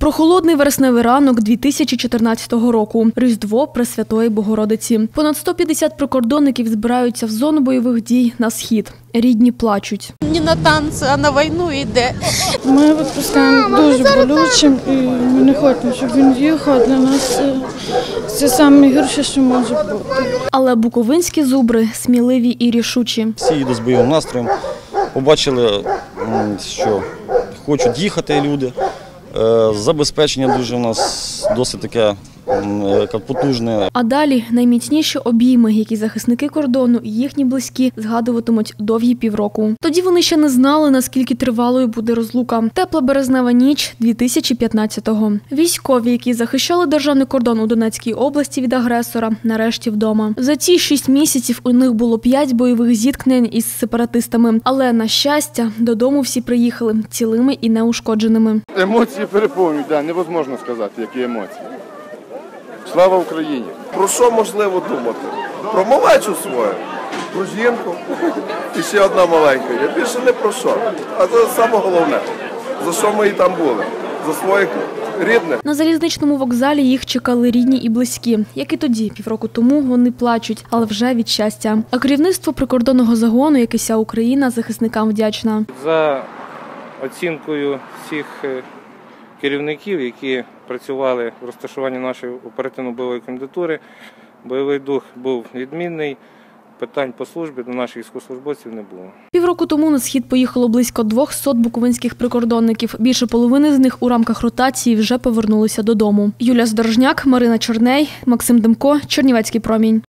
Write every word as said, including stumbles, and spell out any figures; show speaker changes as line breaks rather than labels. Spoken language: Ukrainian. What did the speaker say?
Прохолодний вересневий ранок дві тисячі чотирнадцятого року. Різдво Пресвятої Богородиці. Понад сто п'ятдесят прикордонників збираються в зону бойових дій на схід. Рідні плачуть.
Не на танці, а на війну йде.
Ми відпускаємо дуже болючим і ми не хочемо, щоб він їхав. Для нас це найгірше, що може бути.
Але буковинські зубри сміливі і рішучі.
Всі їдуть з бойовим настроєм. Побачили, що хочуть їхати люди. Забезпечення дуже у нас досить таке потужне.
А далі найміцніші обійми, які захисники кордону і їхні близькі згадуватимуть довгі півроку. Тоді вони ще не знали, наскільки тривалою буде розлука. Тепла березнева ніч дві тисячі п'ятнадцятого. Військові, які захищали державний кордон у Донецькій області від агресора, нарешті вдома. За ці шість місяців у них було п'ять бойових зіткнень із сепаратистами. Але, на щастя, додому всі приїхали цілими і неушкодженими.
Емоції переповнюють, да, невозможно сказати, які емоції. Слава Україні!
Про що можливо думати? Про малечу свою, про жінку і ще одна маленька. Я більше не про що. А це саме головне, за що ми і там були, за своїх рідних.
На залізничному вокзалі їх чекали рідні і близькі. Як і тоді, півроку тому, вони плачуть, але вже від щастя. А керівництво прикордонного загону, як і вся Україна, захисникам вдячна.
За оцінкою всіх керівників, які працювали в розташуванні нашої оперативно-бойової комендатури, бойовий дух був відмінний, питань по службі до наших військовослужбовців не було.
Півроку тому на схід поїхало близько двохсот буковинських прикордонників. Більше половини з них у рамках ротації вже повернулися додому. Юлія Здорожняк, Марина Чорней, Максим Демко, Чернівецький промінь.